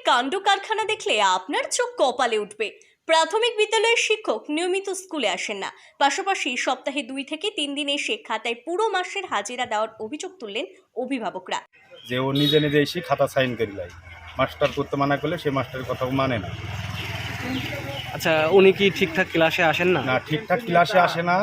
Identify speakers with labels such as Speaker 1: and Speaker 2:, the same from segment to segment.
Speaker 1: কাণ্ড কারখানা দেখলে আপনার চোখ কপালে উঠবে। প্রাথমিক বিদ্যালয়ের শিক্ষক নিয়মিত স্কুলে আসেন না, পাশাপাশি সপ্তাহে 2 থেকে 3 দিন এসে খাতায় পুরো মাসের হাজিরা দেওয়ার অভিযোগ তুললেন অভিভাবকরা।
Speaker 2: যে ও নিজে নিজে এসে খাতা সাইন করে লাই, মাস্টার করতে মানা করলে সে মাস্টারের কথাও মানে না।
Speaker 3: আচ্ছা, উনি কি ঠিকঠাক ক্লাসে আসেন না?
Speaker 2: না, ঠিকঠাক ক্লাসে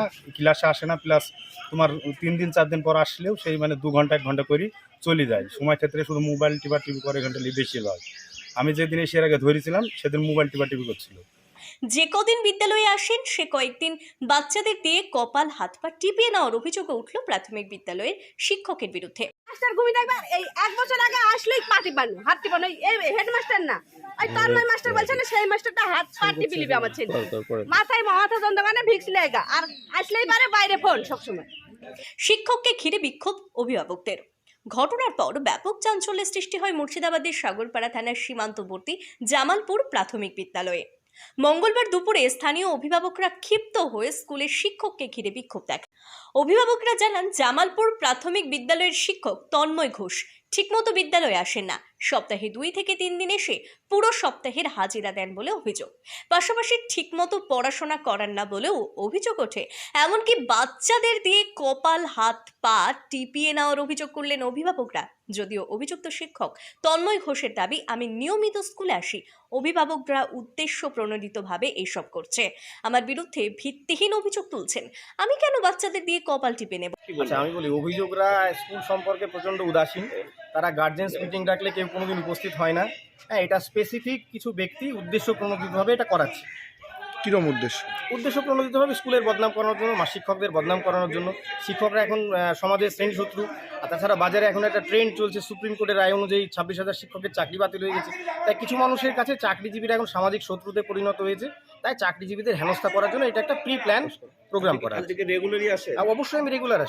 Speaker 2: আসে না, প্লাস তোমার 3 দিন 4 দিন পর আসলেও সেই মানে 2 ঘন্টা 1 ঘন্টা করে চলে যায়। সময় ক্ষেত্রে শুধু মোবাইল টিপি করে ঘন্টা বেশি হয়। আমি যেদিন এসে এর আগে ধরেছিলাম সেদিন মোবাইল টিপি করছিল।
Speaker 1: যে কদিন বিদ্যালয়ে আসেন সে কয়েকদিন বাচ্চাদের দিয়ে কপাল হাত পা টিপিয়ে নেওয়ার অভিযোগ উঠল প্রাথমিক বিদ্যালয়ের শিক্ষকের বিরুদ্ধে।
Speaker 4: মাস্টার ঘুমি দেখবার এই 1 বছর আগে আসলেই পা টিপানো, হাত টিপানো, এই হেডমাস্টার না, ওই তন্ময় মাস্টার বলছে না, সেই মাস্টারটা হাত পা টিপি লিবে আমার ছেলে। মাথা যন্ত্রণা ভিক্স লেগা, আর আসলেই পারে বাইরে ফোন সবসময়।
Speaker 1: শিক্ষককে ঘিরে বিক্ষোভ অভিভাবকদের। ঘটনার পর ব্যাপক চাঞ্চল্যের সৃষ্টি হয় মুর্শিদাবাদের সাগরপাড়া থানার সীমান্তবর্তী জামালপুর প্রাথমিক বিদ্যালয়ে। মঙ্গলবার দুপুরে স্থানীয় অভিভাবকরা ক্ষিপ্ত হয়ে স্কুলের শিক্ষককে ঘিরে বিক্ষোভ দেখান। অভিভাবকরা জানান, জামালপুর প্রাথমিক বিদ্যালয়ের শিক্ষক তন্ময় ঘোষ ঠিকমতো বিদ্যালয়ে আসেন না, সপ্তাহে 2 থেকে 3 দিন এসে পুরো সপ্তাহের হাজিরা দেন বলে অভিযোগ। পাশাপাশি ঠিকমতো পড়াশোনা করান না বলেও অভিযোগ ওঠে। এমনকি বাচ্চাদের দিয়ে কপাল হাত পা টিপিয়ে নেওয়ার অভিযোগ করলেন অভিভাবকরা। যদিও অভিযুক্ত শিক্ষক তন্ময় ঘোষের দাবি, আমি নিয়মিত স্কুলে আসি, অভিভাবকরা উদ্দেশ্য প্রণোদিতভাবে এইসব করছে, আমার বিরুদ্ধে ভিত্তিহীন অভিযোগ তুলছেন, আমি কেন বাচ্চাদের দিয়ে কপাল টিপে নেব।
Speaker 5: আচ্ছা, আমি বলি, অভিযোগরা স্কুল সম্পর্কে প্রচণ্ড উদাসীন। তারা গার্জেন্স মিটিং ডাকলে কেউ কোনোদিন উপস্থিত হয় না। হ্যাঁ, এটা স্পেসিফিক কিছু ব্যক্তি উদ্দেশ্য প্রণোদিতভাবে এটা করাচ্ছে।
Speaker 6: কিরম উদ্দেশ্য?
Speaker 5: উদ্দেশ্য প্রণোদিতভাবে স্কুলের বদনাম করানোর জন্য, শিক্ষকদের বদনাম করানোর জন্য। শিক্ষকরা এখন সমাজের শ্রেণী শত্রু। আর তাছাড়া বাজারে এখন একটা ট্রেন্ড চলছে, সুপ্রিম কোর্টের রায় অনুযায়ী 26,000 শিক্ষকের চাকরি বাতিল হয়ে গেছে। তাই কিছু মানুষের কাছে চাকরিজীবীরা এখন সামাজিক শত্রুতে পরিণত হয়েছে। তাই চাকরিজীবীদের হেনস্থা করার জন্য এটা একটা প্রি প্ল্যান প্রোগ্রাম করা।
Speaker 6: রেগুলারই আসে?
Speaker 5: অবশ্যই আমি রেগুলার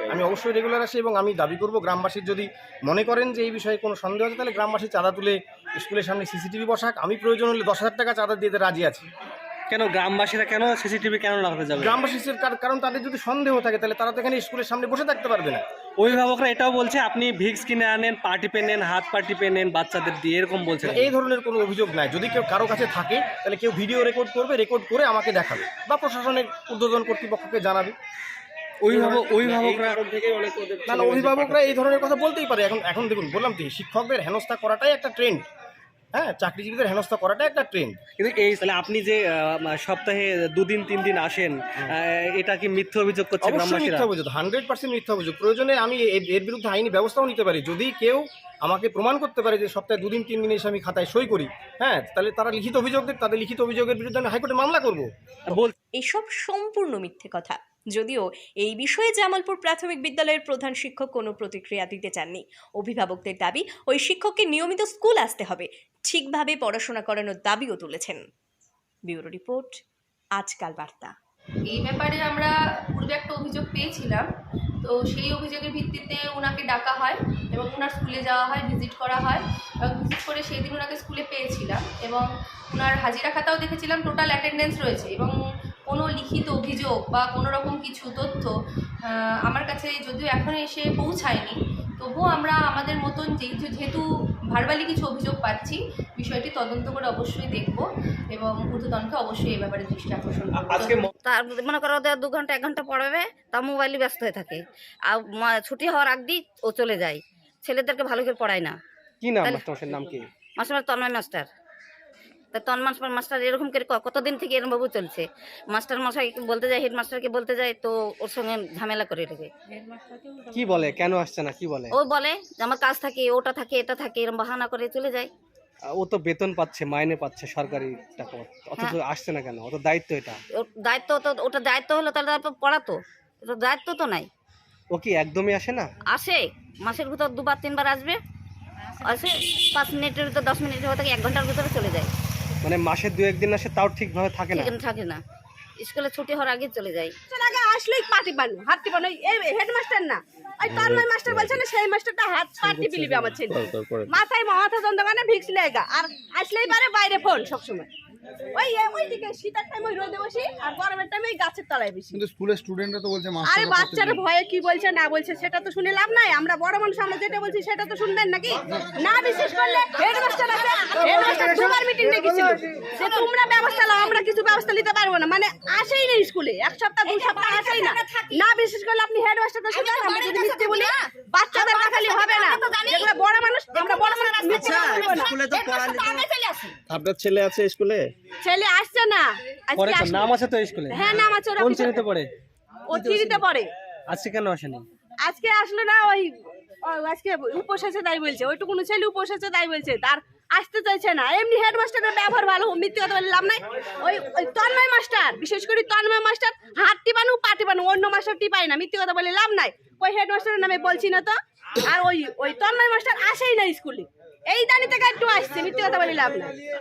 Speaker 5: আসি, এবং আমি দাবি করব, গ্রামবাসীর যদি মনে করেন যে এই বিষয়ে কোনো সন্দেহ আছে, তাহলে গ্রামবাসী চাঁদা তুলে স্কুলের সামনে সিসিটিভি বসাক। আমি প্রয়োজন হলে 10,000 টাকা চাঁদা দিতে রাজি আছি।
Speaker 3: কেন গ্রামবাসীরা কেন সিসিটিভি কেন লাগাতে যাবে?
Speaker 5: গ্রামবাসীর কারণ তাদের যদি সন্দেহ থাকে তাহলে তারা তো এখানে স্কুলের সামনে বসে থাকতে পারবে না।
Speaker 3: অভিভাবকরা এটাও বলছে, আপনি ভিক্স কিনে আনেন, পা টিপে নেন, হাত পা টিপে নেন বাচ্চাদের দিয়ে, এরকম বলছে।
Speaker 5: এই ধরনের কোনো অভিযোগ নাই। যদি কেউ কারো কাছে থাকে তাহলে কেউ ভিডিও রেকর্ড করবে, রেকর্ড করে আমাকে দেখাবে বা প্রশাসনের ঊর্ধ্বতন কর্তৃপক্ষকে জানাবে। অভিভাবকরা এই ধরনের কথা বলতেই পারে। এখন দেখুন, বললাম তো, শিক্ষকদের হেনস্থা করাটাই একটা ট্রেন্ড। হ্যাঁ, চাকরিজীবীদের হেনস্থা করাটাই একটা ট্রেন্ড।
Speaker 3: কিন্তু এই তাহলে আপনি যে সপ্তাহে 2 দিন 3 দিন আসেন, এটা কি মিথ্যা অভিযোগ করছে গ্রামবাসীরা?
Speaker 5: মিথ্যা অভিযোগ, 100% মিথ্যা অভিযোগ। প্রয়োজনে আমি এর বিরুদ্ধে আইনি ব্যবস্থাও নিতে পারি। যদি কেউ আমাকে প্রমাণ করতে পারে যে সপ্তাহে 2 দিন 3 দিন এসে আমি খাতায় সই করি, হ্যাঁ, তাহলে তারা লিখিত অভিযোগ দেয়, তাদের লিখিত অভিযোগের বিরুদ্ধে আমি হাইকোর্টে মামলা করবো।
Speaker 1: এসব সম্পূর্ণ মিথ্যে কথা। যদিও এই বিষয়ে জামালপুর প্রাথমিক বিদ্যালয়ের প্রধান শিক্ষক কোনো প্রতিক্রিয়া দিতে চাননি। অভিভাবকদের দাবি, ওই শিক্ষককে নিয়মিত স্কুল আসতে হবে, ঠিকভাবে পড়াশোনা করানোর দাবিও তুলেছেন। ব্যুরো রিপোর্ট, আজকাল বার্তা।
Speaker 7: এই ব্যাপারে আমরা পূর্বে একটা অভিযোগ পেয়েছিলাম, তো সেই অভিযোগের ভিত্তিতে ওনাকে ডাকা হয় এবং ওনার স্কুলে যাওয়া হয়, ভিজিট করা হয়, এবং ভিজিট করে সেই দিন ওনাকে স্কুলে পেয়েছিলাম এবং ওনার হাজিরা খাতাও দেখেছিলাম, টোটাল অ্যাটেন্ডেন্স রয়েছে, এবং কোনো লিখিত অভিযোগ বা কোনো রকম কিছু তথ্য আমার কাছে যদিও এখনও এসে পৌঁছায়নি, তবুও আমরা আমাদের মতন যেহেতু ভার্বালি কিছু অভিযোগ পাচ্ছি, বিষয়টি তদন্ত করে অবশ্যই দেখব এবং ঊর্ধ্বতনকে অবশ্যই এই ব্যাপারে দৃষ্টি আকর্ষণ করব।
Speaker 4: তার মনে করো ওদের 2 ঘন্টা 1 ঘন্টা পড়াবে, তা মোবাইলে ব্যস্ত হয়ে থাকে, আর ছুটি হওয়ার আগ দিয়ে ও চলে যায়। ছেলেদেরকে ভালো করে পড়ায় না।
Speaker 3: কি নাম মাস্টারের নাম? কি
Speaker 4: মাস্টার? তন্ময় মাস্টার। তা তন্ময় মাস্টার এরকম করে কতদিন থেকে এরকমভাবে চলছে। মাস্টার মশাই বলতে যায়, হেডমাস্টারকে বলতে যায়, তো ওর সঙ্গে ঝামেলা করে রেখে।
Speaker 3: কি বলে, কেন আসছে না কি বলে?
Speaker 4: ও বলে যে আমার কাজ থাকে, ওটা থাকে, এটা থাকে, এরকম বাহানা করে চলে যায়।
Speaker 3: ও তো বেতন পাচ্ছে, মাইনে পাচ্ছে সরকারি টাকা, অথচ আসছে না কেন? ও তো দায়িত্ব, এটা
Speaker 4: ওর দায়িত্ব, তো ওটা দায়িত্ব হলো তাহলে তারপর পড়াতো, এটা দায়িত্ব তো নাই।
Speaker 3: ও কি একদমই আসে না?
Speaker 4: আসে, মাসের ভিতর 2বার 3বার আসবে, আসে 5 মিনিটের ভিতর 10 মিনিটের ভিতরে 1 ঘন্টার ভিতরে চলে যায়।
Speaker 3: মানে মাসে 2-1 দিন আসে, তাও ঠিকভাবে থাকে না?
Speaker 4: থাকে না, স্কুলে ছুটি হওয়ার আগে চলে যায়।
Speaker 8: আগে আসলেই পা টিপানো, হাত টিপানো, এই হেডমাস্টার না, ওই তন্ময় মাস্টার বলছে না, সেই মাস্টারটা হাত পা টিপি লিবে আমার ছেলে। মাথা যন্ত্রণা ভিক্স লেগা, আর আসলেই পারে বাইরে ফোন সবসময়।
Speaker 4: ওইদিকে শীতের টাইম ওই রোদে বসি আর গরমের টাইম ওই গাছের তলায় বেশি।
Speaker 6: কিন্তু স্কুলের স্টুডেন্টরা তো বলছে
Speaker 4: আরে বাচ্চারা ভয়ে কি বলছে না বলছে সেটা তো শুনে লাভ নাই, আমরা বড় মানুষ আমরা যেটা বলছি সেটা তো শুনবেন নাকি? না বিশেষ করলে হেডমাস্টার আছে, হেডমাস্টার তোমার মিটিং ডেকেছিল যে তোমরা ব্যবস্থা নাও, আমরা কিছু ব্যবস্থা নিতে পারবো না, মানে আসেই না স্কুলে, এক সপ্তাহ 2 সপ্তাহ আসেই না। না বিশেষ করলে আপনি হেডমাস্টারকে শুনেন, আমরা যদি মিথ্যে বলি বাচ্চাদের দেখালি হবে না, যেগুলো বড় মানুষ আমরা বড় মানুষ মিথ্যে বলবো না।
Speaker 3: স্কুলে তো পড়ালে আপনার ছেলে আছে স্কুলে?
Speaker 4: ছেলে আসছে না, আজকে
Speaker 3: পরে
Speaker 4: আসবে।
Speaker 3: নাম আছে তো স্কুলে?
Speaker 4: হ্যাঁ নাম আছে, ওরা
Speaker 3: কোন শ্রেণীতে পড়ে?
Speaker 4: ও 3তে পড়ে।
Speaker 3: আজকে কেন আসেনি?
Speaker 4: আজকে আসলো না, ওই আজকে উপোস আছে তাই বলছে, ওইটুকুনো ছেলে উপোস আছে তাই বলছে, তার আসতে চাইছে না। এমনি হেডমাস্টারের ব্যবহার ভালো, মিথ্যে কথা বলে লাভ নাই। ওই তন্ময় মাস্টার, বিশেষ করে তন্ময় মাস্টার হাত টিপানো পা টিপানো, অন্য মাস্টার টিপাই না, মিথ্যে কথা বলে লাভ নাই। ওই হেডমাস্টারের নামে বলছি না তো। আর ওই তন্ময় মাস্টার আসেই না স্কুলে, এই দানি থেকে একটু আসছে, মিথ্যে কথা বলে লাভ নাই।